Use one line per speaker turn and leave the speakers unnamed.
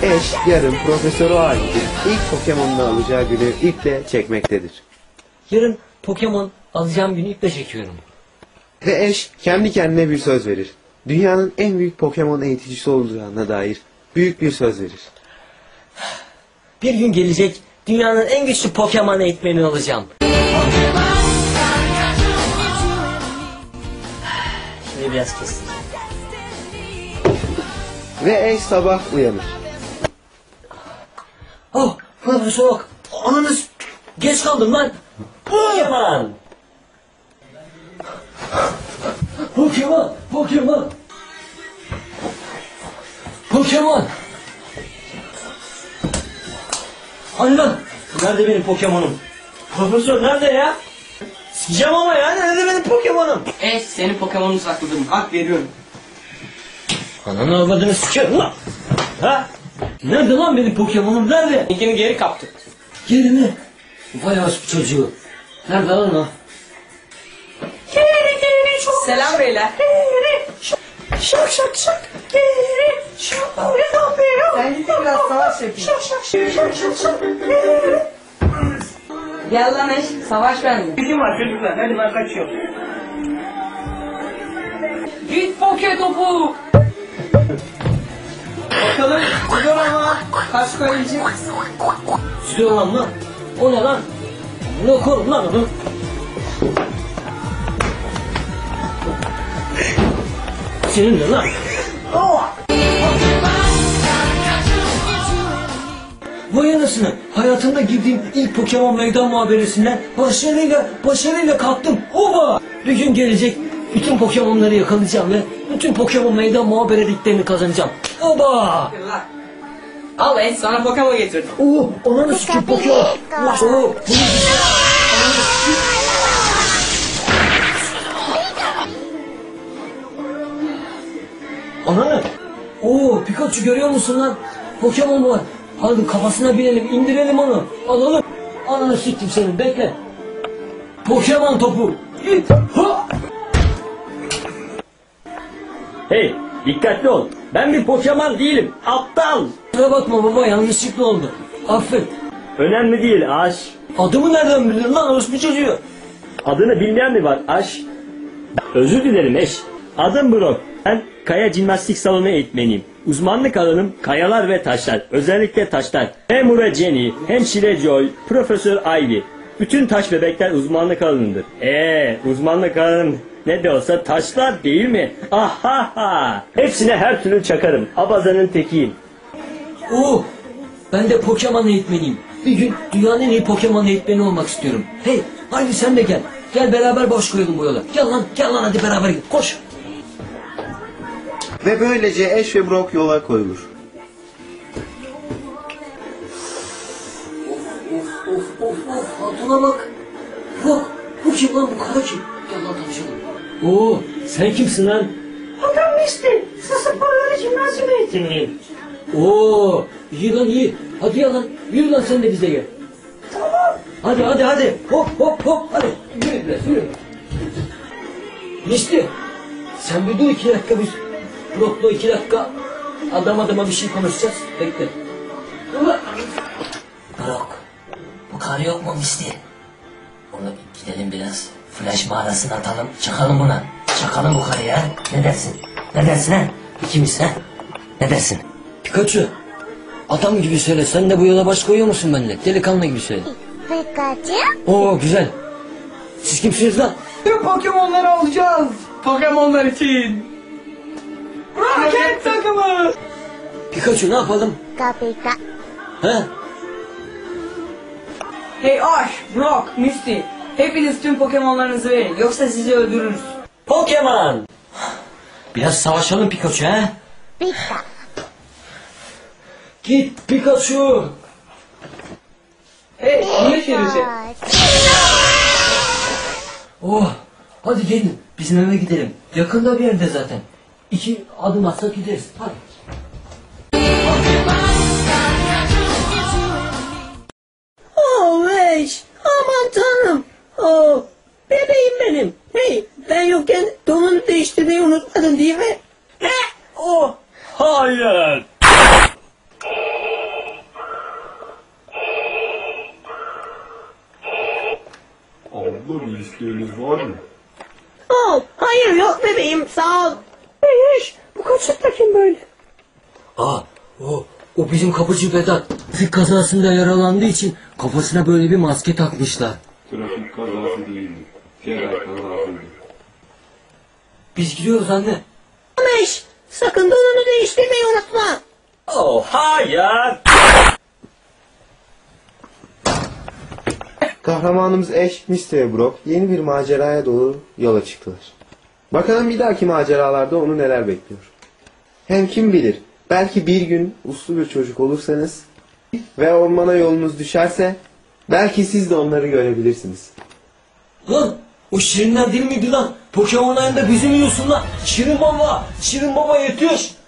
Ash yarın Profesör O'yu ilk Pokemon'unu alacağı günü iple çekmektedir.
Yarın Pokemon alacağım günü iple çekiyorum.
Ve Ash kendi kendine bir söz verir. Dünyanın en büyük Pokemon eğiticisi olacağına dair büyük bir söz verir.
Bir gün gelecek, dünyanın en güçlü Pokemon eğitmeni olacağım. Şimdi biraz kestim.
Ve Ash sabah uyanır.
Oh, soğuk. Ananız, geç kaldım lan. Pokemon. Pokemon, Pokemon. Pokemon. Hani lan? Nerede benim Pokemon'um? Profesör nerede ya? Sikeceğim ama ya, nerede benim Pokemon'um?
Senin Pokemon'unu sakladım. Hak veriyorum.
Ananı avladığını sikerim lan. Ha? Nerede lan benim Pokemon'um, nerede?
İlkini geri kaptık.
Geri mi? Vay aşk çocuğu. Nerede lan o?
Selam beyler.
Şak şak şak.
Sen git biraz savaş yapayım. Gel lan eş, savaş bende.
Bizim var çocuklar, hadi ben kaçıyorum.
Git poke topu. Bakalım, gidiyor ama kaç koyacak?
Sürüyor lan. O ne lan? Ne korum lan onu? Senin de lan. Vay anasını, hayatımda girdiğim ilk Pokemon meydan muhaberesinden başarıyla kalktım. Oba! Bir gün gelecek, bütün Pokemon'ları yakalayacağım ve bütün Pokemon meydan muhabereliklerini kazanacağım. Oba!
Al eş, sana Pokemon getirdim.
Oo, ananı sikim Pokemon. Oo, ananı. Oo, Pikachu görüyor musun lan? Pokemon var. Hadi kafasına binelim, indirelim onu. Alalım. Ananı siktim senin, bekle. Pokemon topu. Git. Ha!
Hey, dikkatli ol. Ben bir Pokemon değilim. Aptal.
Kusura bakma baba, yanlışlıkla oldu. Affet.
Önemli değil Aş.
Adımı nereden bildin lan orospu çocuğu?
Adını bilmeyen mi var Aş? Özür dilerim eş. Adım Brock. Ben kaya jimnastik salonu eğitmeniyim. Uzmanlık alanım kayalar ve taşlar. Özellikle taşlar. Hem Ura Jenny, hemşire Joy, Profesör Ivy. Bütün taş bebekler uzmanlık alanındır. Uzmanlık alanım ne de olsa taşlar değil mi? Ahaha. Hepsine her türlü çakarım. Abazanın tekiyim.
Oo, ben de Pokemon eğitmeniyim. Bir gün dünyanın en iyi Pokemon eğitmeni olmak istiyorum. Hey, haydi sen de gel. Gel beraber baş koyalım bu yola. Gel lan hadi beraber git. Koş.
Ve böylece Ash ve Brock yola koyulur.
Of, hatuna bak. Bak, bu kim lan, bu kara kim? Gel lan tanışalım. Oo, sen kimsin lan?
Adam işte, sporları jimnasyum eğitimliyim.
Oo, iyi lan iyi. Hadi ya lan, yürü lan sen de bize gel.
Tamam.
Hadi. Hop, hadi. Yürü biraz, yürü. Misli, sen bir dur 2 dakika biz. Brock'la 2 dakika adama bir şey konuşacağız. Bekle. Brock, bu karı yok mu Misli? Onu gidelim biraz flash mağarasına atalım, çakalım buna. Çakalım bu karıya. Ne dersin ha? İkimiz ha? Ne dersin? Pikachu, adam gibi söyle, sen de bu yola baş koyuyor musun benimle? Delikanlı gibi söyle.
Pikachu?
Oo güzel. Siz kimsiniz lan?
Tüm Pokemon'ları alacağız. Pokemon'lar için. Roket takımı.
Pikachu ne yapalım?
Pika.
He?
Hey Ash, Brock, Misty. Hepiniz tüm Pokemon'larınızı verin. Yoksa sizi öldürürüz.
Pokemon! Biraz savaşalım Pikachu he?
Pika.
Git Pikachu!
Hey, niye çevirse?
Oh! Hadi gelin bizim eve gidelim. Yakında bir yerde zaten. 2 adım atsak gideriz. Hadi.
Oh eş, aman tanrım. Oh, bebeğim benim. Hey, ben yokken donunu değiştirmeyi unutmadın değil mi?
Hayır.
isteğiniz var mı?
Oh, hayır yok bebeğim sağ ol. Eş, bu kaçıkta kim böyle?
O bizim kapıcı Vedat. Trafik kazasında yaralandığı için kafasına böyle bir maske takmışlar.
Trafik kazası değildi. Ferah kazasıydı.
Biz gidiyoruz anne.
Eş, sakın donunu değiştirmeyi unutma.
Oh hayır.
Kahramanımız Ash, Misty ve Brock yeni bir maceraya doğru yola çıktılar. Bakalım bir dahaki maceralarda onu neler bekliyor. Hem kim bilir, belki bir gün uslu bir çocuk olursanız ve ormana yolunuz düşerse belki siz de onları görebilirsiniz.
Lan o Şirinler değil miydi lan? Pokemon ayında bizim yiyorsun lan. Şirin baba yetiyor.